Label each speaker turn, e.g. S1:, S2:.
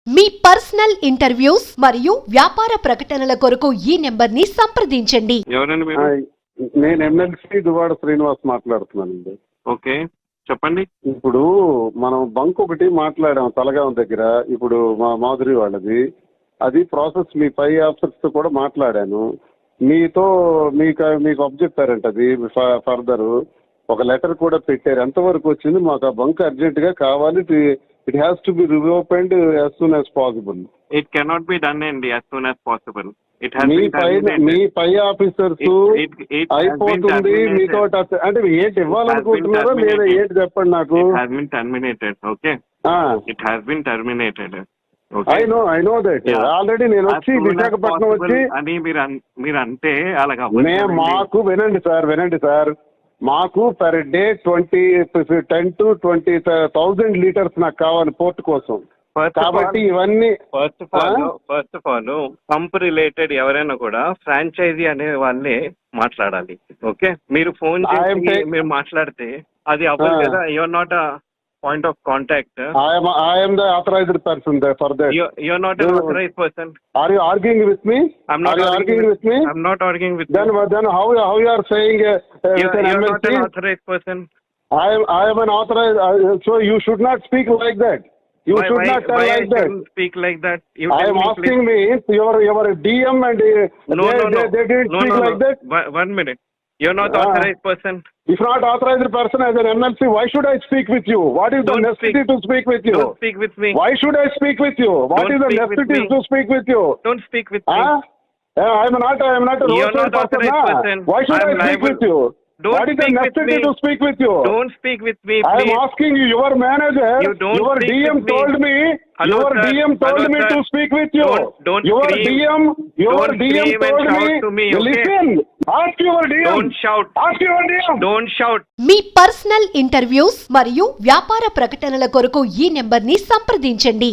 S1: మీ personal interviews మరియు వ్యాపార ప్రకటనల కొరకు ఈ నెంబర్ ని సంప్రదించండి.
S2: ఎవరండి మీరు?
S3: నేను ఎమ్మెల్సీ దువాడ శ్రీనివాస్ మాట్లాడుతున్నానండి.
S2: ఓకే, చెప్పండి.
S3: ఇప్పుడు మనం బంక్ ఒకటి మాట్లాడాం తలగాం దగ్గర, ఇప్పుడు మా మాధురి వాళ్ళది. అది ప్రాసెస్ మీ పై ఆఫీసర్స్ తో కూడా మాట్లాడాను. మీకు అప్ చెప్పారంట, అది ఫర్దర్ ఒక లెటర్ కూడా పెట్టారు. ఎంతవరకు వచ్చింది? మాకు ఆ బంక్ అర్జెంట్ గా కావాలి. It has to be reopened as soon as possible.
S2: It cannot be done అండి యాజ్ సూన్ యాజ్ పాసిబుల్.
S3: మీ పై ఆఫీసర్స్ అయిపోతుంది మీతో అంటే ఏంటి ఇవ్వాలనుకుంటున్నారో లేదా ఏంటి చెప్పండి నాకు.
S2: Okay, it has been terminated.
S3: I know that already. నేను వచ్చి విశాఖపట్నం వచ్చి
S2: అని మీరు అంటే అలాగా
S3: మాకు వినండి సార్, మాకు పర్ డే 10 to 20,000 లీటర్స్ నాకు కావాలి పోర్ట్ కోసం. కాబట్టి ఇవన్నీ
S2: first of all pump related ఎవరైనా కూడా ఫ్రాంచైజీ అనే వాళ్ళే మాట్లాడాలి. ఓకే, మీరు ఫోన్ చేసి మీరు మాట్లాడితే అది అవ్వదు కదా. Your not a point of contact.
S3: I am the authorized person there for that.
S2: You're not an authorized person.
S3: Are you arguing with me?
S2: I'm not arguing with me. I'm not arguing with
S3: then
S2: you.
S3: Then how you are saying
S2: you're not an authorized person.
S3: I am an authorized, so you should not speak like that. You should not tell like that.
S2: Speak like that.
S3: I am asking me, your DM and they didn't speak like that.
S2: 1 minute. You're not authorized person.
S3: If not authorized person as an MLC, why should I speak with you? What is the necessity to speak with you?
S2: Don't speak with me.
S3: Why should I speak with you? What is the necessity to speak with you?
S2: Don't speak with me.
S3: I am not a roadside person. Why should I speak with you? What is the necessity to speak with you?
S2: Don't speak with me,
S3: please. I am asking you, your manager, your DM told me, your DM told me to speak with you. Your DM told me, listen, ask your DM.
S2: Don't shout.
S3: Ask your DM.
S2: Don't shout.
S1: మీ personal interviews మరియు వ్యాపార ప్రకటనల కొరకు ఈ number ని సంప్రదించండి.